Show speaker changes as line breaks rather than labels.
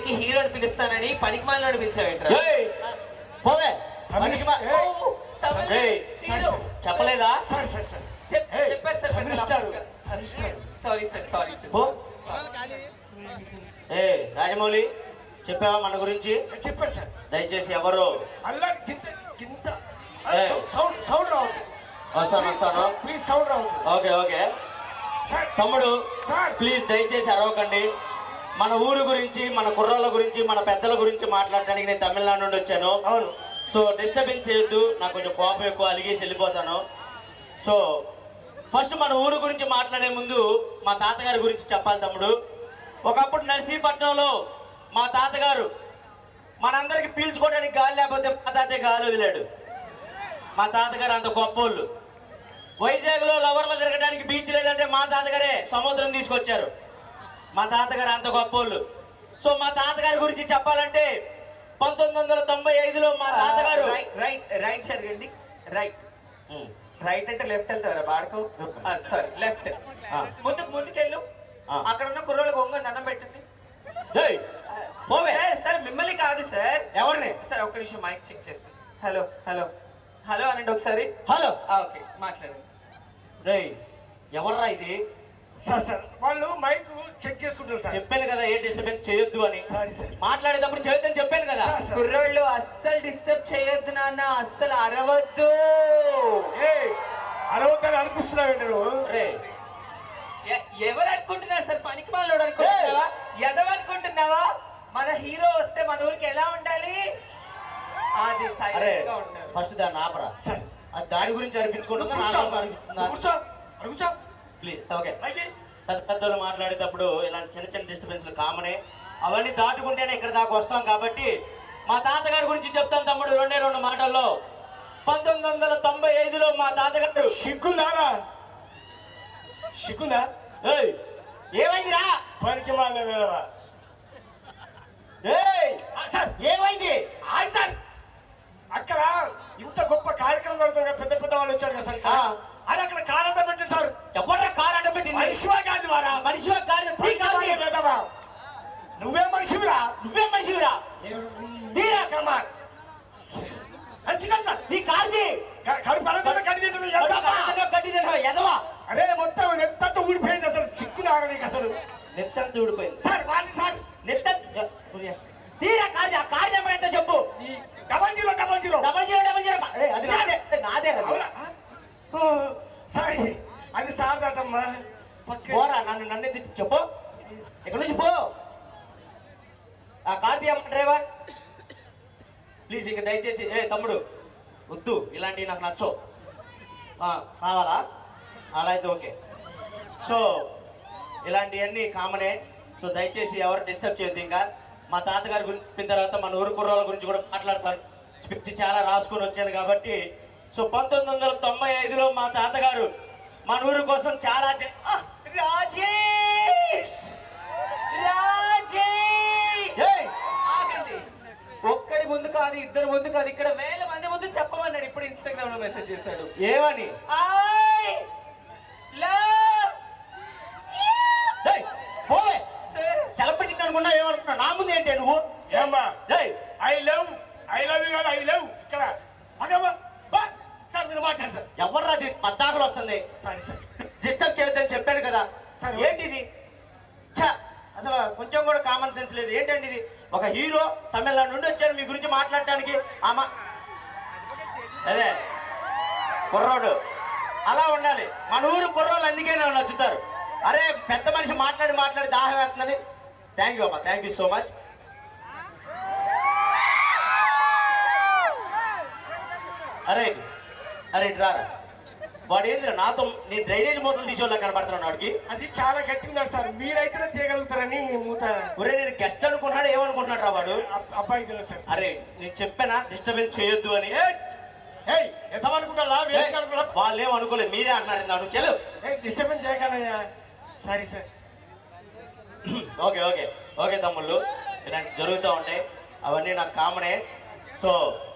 పెళ్లికి హీరోని పిలుస్తానని పనికిమాలను పిలిచావేంట్రా?
పోవే
చెప్పలేదా?
చెప్పారు sir. Sorry sir, sorry sir.
ఏ రాజమౌళి చెప్పావా మన గురించి?
చెప్పారు సార్.
దయచేసి ఎవరు
అల్లా సౌండ్ రావద్దు.
వస్తాను
ప్లీజ్ సౌండ్ రావద్దు.
ఓకే ఓకే తమ్ముడు ప్లీజ్ దయచేసి అరవకండి. మన ఊరు గురించి, మన కుర్రాళ్ళ గురించి, మన పెద్దల గురించి మాట్లాడడానికి నేను తమిళనాడు నుండి వచ్చాను.
అవును.
సో డిస్టర్బెన్స్ చేయొద్దు, నాకు కొంచెం కోపం ఎక్కువ, అలిగేసి వెళ్ళిపోతాను. సో ఫస్ట్ మన ఊరు గురించి మాట్లాడే ముందు మా తాతగారి గురించి చెప్పాలి తమ్ముడు. ఒకప్పుడు నర్సీపట్నంలో మా తాతగారు మనందరికి పీల్చుకోవడానికి గాలి లేకపోతే మా తాతే గాలి వదిలాడు. మా తాతగారు అంత గొప్పోళ్ళు. వైజాగ్లో లవర్లు తిరగడానికి బీచ్ లేదంటే మా తాతగారే సముద్రం తీసుకొచ్చారు. మా తాతగారు అంత గొప్పోళ్ళు. సో మా తాతగారి గురించి చెప్పాలంటే 1995లో మా తాతగారు
రైట్ సరిగండి. రైట్ అంటే లెఫ్ట్ వెళ్తారా బాడుకో? Sorry left. ముందుకెళ్ళు. అక్కడ ఉన్న కుర్రోళ్ళకి ఒంగని దండం పెట్టండి.
పోవే
సార్ మిమ్మల్ని కాదు సార్.
ఎవరిని?
సార్ ఒక్క నిమిషం మైక్ చెక్ చేస్తాను. హలో హలో హలో అనండి ఒకసారి.
హలో
ఓకే మాట్లాడండి.
ఎవర్రా ఇది?
సార్ వాళ్ళు మైక్ చెక్ చేసుకుంటారు సార్.
చెప్పాను కదా ఏ డిస్టర్బెన్స్ చేయొద్దు అని.
Sorry sir.
మాట్లాడేటప్పుడు చేయొద్దని చెప్పాను కదా.
కుర్రోళ్ళు అస్సలు డిస్టర్బ్ చేయొద్దు నాన్న, అస్సలు అరవద్దు.
అరవద్దని అనిపిస్తున్నావు నువ్వు?
ఎవరు అనుకుంటున్నారు సార్? పనికి మాలోడు అనుకుంటున్నావా? ఎదవ అనుకుంటున్నావా? మన హీరో వస్తే మన ఊరికి ఎలా ఉండాలి? అది సైలెంట్ గా ఉండాలి.
ఫస్ట్ దాన్ని ఆపరా
సార్.
అది దాని గురించి అనిపించుకుంటుందా నా కోసం అనిపిస్తుందా?
కూర్చో
ప్లీజ్. ఓకే పెద్దలు మాట్లాడేటప్పుడు ఇలాంటి చిన్న చిన్న డిస్టర్బెన్స్లు కామనే. అవన్నీ దాటుకుంటేనే ఇక్కడ దాకా వస్తాం. కాబట్టి మా తాతగారి గురించి చెప్తాను తమ్ముడు. 2 మాటల్లో 1995లో మా తాతగారు
సిగ్గుందా?
ఏమైందిరా?
పనికి మాల
ఏమైంది?
సార్ అక్కడ ఇంత గొప్ప కార్యక్రమం జరుగుతుంది, పెద్ద పెద్ద వాళ్ళు వచ్చారు కదా సార్. అది అక్కడ కార్ అడ్డం పెట్టారు సార్.
ఎవరా కార్ అడ్డం పెట్టింది?
మనిషివా కాదు వారా?
మనిషివా కాదు.
నువ్వే మనిషివిరా.
తీరా
కమాన్ అరే మొత్తం నెత్తంతా ఊడిపోయింది. అసలు సిగ్గు లాగా నీకు అసలు
నెత్తంతా ఊడిపోయింది
సార్. వాడిని సార్
తీరా కాదు. ఆ కార్ నెంబర్ ఎంత చెప్పు?
0000.
అది నాదే.
సారీ అది సార్ దటమ్మా.
పోరా నన్నే తిట్టి చెప్పు. ఇక్కడ నుంచి పో. ఆ కార్ తీయమ్మ డ్రైవర్ ప్లీజ్. ఇక దయచేసి తమ్ముడు వద్దు, ఇలాంటివి నాకు నచ్చవు. కావాలా? అలా అయితే ఓకే. సో ఇలాంటివన్నీ కామనే. సో దయచేసి ఎవరు డిస్టర్బ్ చేయొద్దు. ఇంకా మా తాతగారి గురించి చెప్పిన తర్వాత మన ఊరు కుర్రాళ్ళ గురించి కూడా మాట్లాడతాను. స్పిచ్ చాలా రాసుకొని వచ్చాను కాబట్టి. సో 1995లో మా తాతగారు మన ఊరు కోసం చాలా
ఆగండి. ఒక్కడి ముందు కాదు, ఇద్దరు ముందు కాదు, ఇక్కడ వేల మంది ముందు చెప్పమన్నాడు. ఇప్పుడు ఇన్స్టాగ్రామ్ లో మెసేజ్ చేశాడు.
ఏమని? చలపెట్టి అనుకున్నా ఏమనుకున్నా? నా ముందు ఏంటి నువ్వు?
ఏమ్మా ఐ లవ్ యూ కాదు, ఐ లవ్ ఇక్కడ సార్. మీరు మాట్లాడు సార్.
ఎవర్రా పద్దాకులు వస్తుంది?
సారీ సార్,
డిస్టర్బ్ చేయొద్దని చెప్పాను కదా సార్. ఏంటి ఇది? అసలు కొంచెం కూడా కామన్ సెన్స్ లేదు. ఏంటండి ఇది? ఒక హీరో తమిళనాడు నుండి వచ్చారు మీ గురించి మాట్లాడటానికి. అదే కుర్రోడు అలా ఉండాలి. మన ఊరు కుర్రోళ్ళు అందుకే నచ్చుతారు. అరే పెద్ద మనిషి మాట్లాడి దాహం వేస్తుందని. థ్యాంక్ యూ అమ్మా, థ్యాంక్ యూ సో మచ్. అరే రారా. వాడు ఏందిరా నాతో నీ డ్రైనేజ్ మూతలు తీసేవాళ్ళ కనబడుతున్నాడు. వాడికి
అది చాలా గట్టిగా సార్. మీరైతేనే తీయగలుగుతారని మూత.
ఒరే నేను గెస్ట్ అనుకుంటున్నాడు, ఏమనుకుంటున్నాడు రా వాడు?
అబ్బాయి తెలుసు సార్.
అరే నేను చెప్పానా డిస్టర్బెన్స్ చేయొద్దు అని?
ఎంతనుకుంటా
వాళ్ళు ఏమనుకోలేదు, మీరే అన్నారు. నన్ను చెలు
డిస్టర్బెన్స్ చేయగలయ్యా. Sorry sir.
ఓకే తమ్ముళ్ళు, ఇలాంటి జరుగుతూ ఉంటాయి. అవన్నీ నాకు కామనే. సో